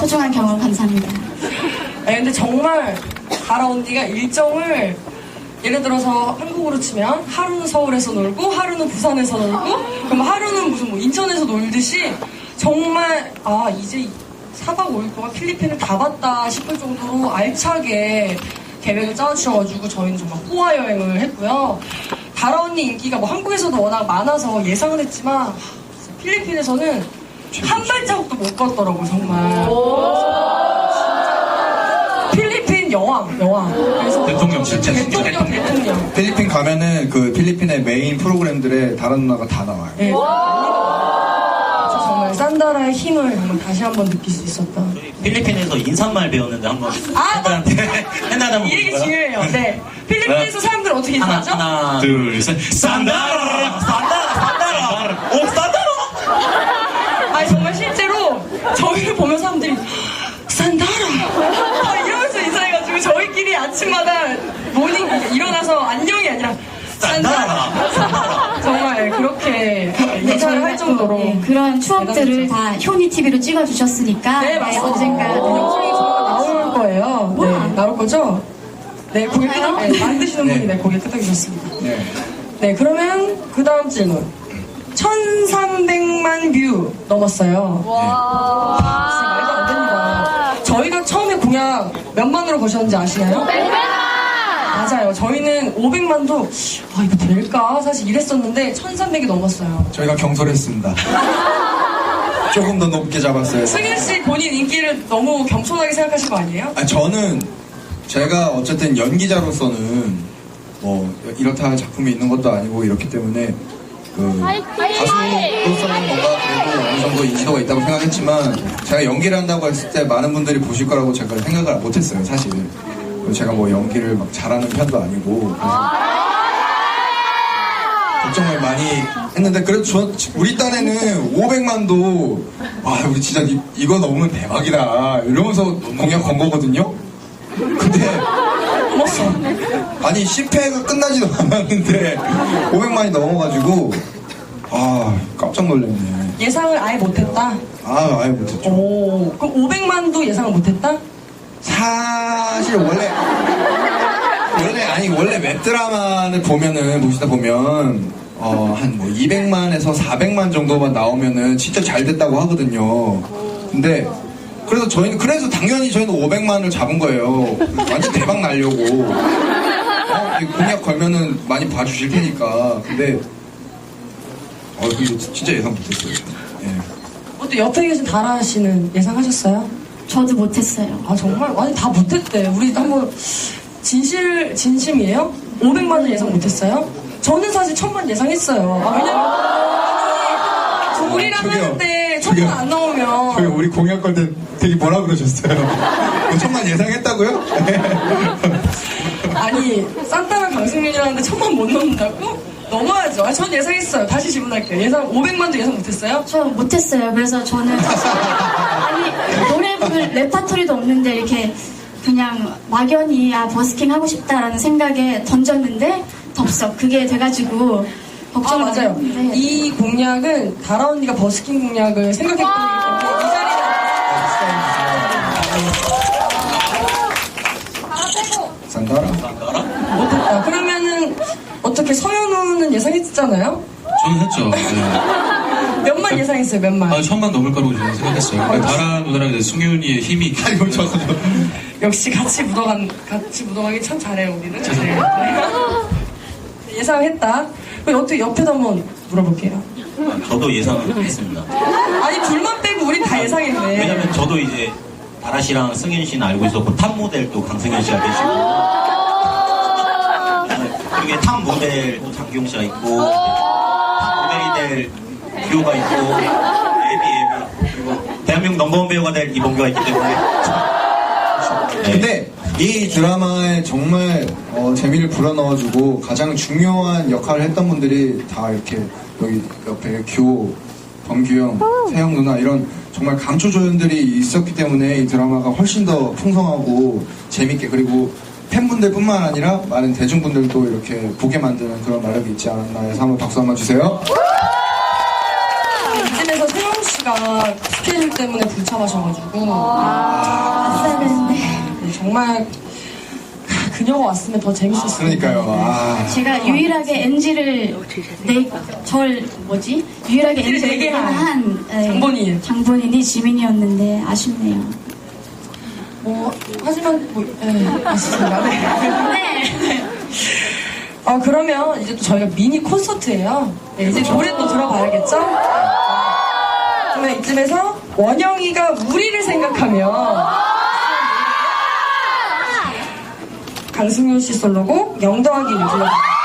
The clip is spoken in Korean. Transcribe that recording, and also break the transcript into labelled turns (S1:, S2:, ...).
S1: 소중한 경험 감사합니다.
S2: 아니, 근데 정말 다라 언니가 일정을 예를 들어서 한국으로 치면 하루는 서울에서 놀고 하루는 부산에서 놀고 그럼 하루는 무슨 뭐 인천에서 놀듯이 정말 이제 4박 5일 동안 필리핀을 다 봤다 싶을 정도로 알차게 계획을 짜주셔가지고 저희는 정말 호화 여행을 했고요. 다라 언니 인기가 뭐 한국에서도 워낙 많아서 예상은 했지만 필리핀에서는 한 발자국도 못 걷더라고요, 정말. 필리핀 여왕. 그래서
S3: 대통령 실제
S2: 대통령.
S4: 필리핀 가면은 그 필리핀의 메인 프로그램들에 다른 누나가 다 나와요.
S2: 네. 그래서 정말 산다라의 힘을 정말 다시 한번 느낄 수 있었다.
S3: 필리핀에서 인사말 배웠는데 한번 팬들한테 한번
S2: 이 얘기
S3: 볼까요?
S2: 중요해요. 네. 필리핀에서 사람들 어떻게 인사하죠?
S3: 하나 둘 셋 산다라 오 산다라.
S2: 아니 정말 실제로 저희를 보면 사람들이 산다라 이러면서 인사해가지고 저희끼리 아침마다 모닝 일어나서 안녕이 아니라 산다라 정말 그렇게 인사를 할 정도로
S1: 그런 추억들을 다 효니 TV로 찍어주셨으니까
S2: 네, 맞습니다.
S1: 언젠가
S2: 영상이 조만간 나올 거예요. 네, 나올 거죠? 네, 고개 만드시는 분이 네, 고개 끄덕이셨습니다. 네, 그러면 그 다음 질문. 1300만 뷰 넘었어요. 진짜 말도 안 됩니다. 저희가 처음에 공약 몇 만으로 거셨는지 아시나요? 100만! 맞아요. 저희는 500만도 이거 될까? 사실 이랬었는데 1300이 넘었어요.
S4: 저희가 경솔했습니다. 조금 더 높게 잡았어요.
S2: 승윤 씨 본인 인기를 너무 겸손하게 생각하신 거 아니에요?
S4: 저는 제가 어쨌든 연기자로서는 뭐 이렇다 할 작품이 있는 것도 아니고 이렇기 때문에 그 가수로서는 뭔가 그래도 어느 정도 인지도가 있다고 생각했지만 제가 연기를 한다고 했을 때 많은 분들이 보실 거라고 제가 생각을 못했어요, 사실. 그리고 제가 뭐 연기를 막 잘하는 편도 아니고 걱정을 많이 했는데 그래도 우리 딴에는 500만도 우리 진짜 이거 넘으면 대박이다 이러면서 공약 건 거거든요. 근데 아니 10회가 끝나지도 않았는데 500만이 넘어가지고 깜짝 놀랐네.
S2: 예상을 아예 못했다?
S4: 아예 못했죠.
S2: 오, 그럼 500만도 예상을 못했다?
S4: 사실 원래 웹드라마를 보시다 보면 한 뭐 200만에서 400만 정도만 나오면은 진짜 잘 됐다고 하거든요. 근데 그래서 당연히 저희는 500만을 잡은 거예요. 완전 대박 나려고. 공약 걸면은 많이 봐주실 테니까. 근데 진짜 예상 못했어요.
S2: 또 옆에 계신 다라 씨는 예상하셨어요?
S1: 저도 못했어요.
S2: 정말? 아니 다 못했대. 우리 한번 진심이에요? 500만을 예상 못했어요? 저는 사실 1000만 예상했어요. 왜냐면 우리랑 하는데 1000만 안 나오면
S4: 우리 공약 걸 때 되게 뭐라 그러셨어요? 1000만 예상했다고요?
S2: 아니 산타랑 강승민이랑 하는데 1000만 못 넘는다고? 넘어야죠. 전 예상했어요. 다시 질문할게요. 500만도 예상 못했어요?
S1: 저 못했어요. 그래서 저는 노래 부를 레파토리도 없는데 이렇게 그냥 막연히 버스킹 하고 싶다라는 생각에 던졌는데 덥석 그게 돼가지고 걱정을
S2: 맞아요.
S1: 했는데
S2: 이 공약은 다라 언니가 버스킹 공약을 생각했기 때문에 이 자리에
S4: 산다라?
S2: 못했다. 그러면은 어떻게 서현우는 예상했잖아요?
S5: 저는 했죠.
S2: 몇만 예상했어요, 몇만.
S5: 1000만 넘을 거라고 저는 생각했어요. 다라 누나랑 이제 승윤이의 힘이.
S2: 역시 같이 묻어가기 참 잘해요, 우리는. 네. 예상했다. 그럼 어떻게 옆에도 한번 물어볼게요.
S3: 저도 예상을 했습니다.
S2: 아니, 둘만 빼고 우린 다 예상했네.
S3: 왜냐면 저도 이제 다라 씨랑 승윤 씨는 알고 있었고 탑 모델도 강승윤 씨가 계시고 그리고 탑 모델도 장기용 씨가 있고 탑 모델이 될 뷰가 있고 에비 그리고 대한민국 넘버원 배우가 될 이봉규가 있기 때문에
S4: 근데 이 드라마에 정말 재미를 불어넣어주고 가장 중요한 역할을 했던 분들이 다 이렇게 여기 옆에 규호, 범규형, 세영 누나 이런 정말 강초조연들이 있었기 때문에 이 드라마가 훨씬 더 풍성하고 재밌게 그리고 팬분들 뿐만 아니라 많은 대중분들도 이렇게 보게 만드는 그런 매력이 있지 않았나 해서 한번 박수 한번 주세요.
S2: 이쯤에서 세영 씨가 씨가 스케줄 때문에 불참하셔가지고
S1: 왔어야 되는데.
S2: 네, 정말 그녀가 왔으면 더 재밌었을
S4: 그러니까요. 아,
S1: 제가 유일하게 NG를 유일하게
S2: NG를
S1: NG를
S2: 내게
S1: 한
S2: 장본인.
S1: 장본인이 지민이었는데 아쉽네요.
S2: 뭐 하지만 아쉽습니다.
S1: 네.
S2: 그러면 이제 또 저희가 미니 콘서트예요. 네, 이제 노래 또 들어봐야겠죠? 그러면 이쯤에서 원영이가 우리를 생각하며 강승윤 씨 솔로곡 0 더하기 1 불러드릴게요.